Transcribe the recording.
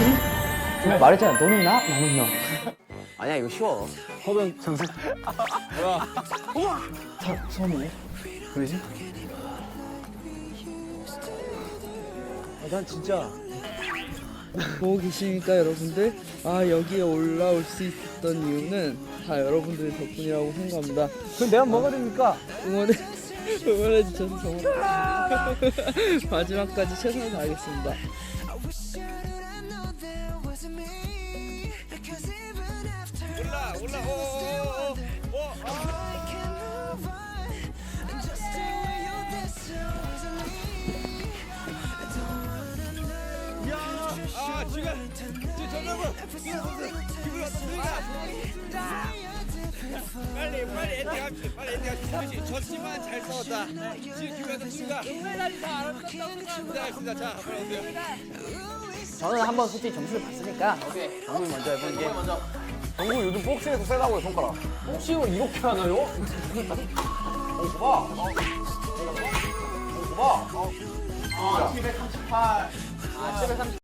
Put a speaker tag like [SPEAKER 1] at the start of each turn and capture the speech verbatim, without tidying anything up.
[SPEAKER 1] 말했잖아. 너는 나, 나는 너.
[SPEAKER 2] 아니야 이거 쉬워.
[SPEAKER 3] 허변 선수.
[SPEAKER 1] 사, 처음이네. 왜지?
[SPEAKER 3] 아, 난 진짜
[SPEAKER 4] 보고 계시니까 여러분들, 아 여기에 올라올 수 있었던 이유는 다 여러분들 덕분이라고 생각합니다.
[SPEAKER 3] 그럼 내가 뭐가 됩니까?
[SPEAKER 4] 응원해 응원해 주셔서 정말 마지막까지 최선을 다하겠습니다.
[SPEAKER 5] 올라 올라 아 지금 지금 전화번 빨리 빨리 엔딩 합시다. 빨리 엔딩 합시다. 그렇지. 졌지만 잘 싸웠다. 지금 기분이 좋습니다. 은메달이 다 알았다고 생각합니다. 자, 빨리 오세요.
[SPEAKER 1] 저는 한번 솔직히 점수를 봤으니까. 오케이. 정국이 먼저 해볼게. 먼저.
[SPEAKER 3] 정국 요즘 복싱에서 세다고요, 손가락. 복싱을 이렇게 하나요? 어, 봐. 어, 봐.
[SPEAKER 1] 아, 칠백삼십팔. 아, 칠백삼십.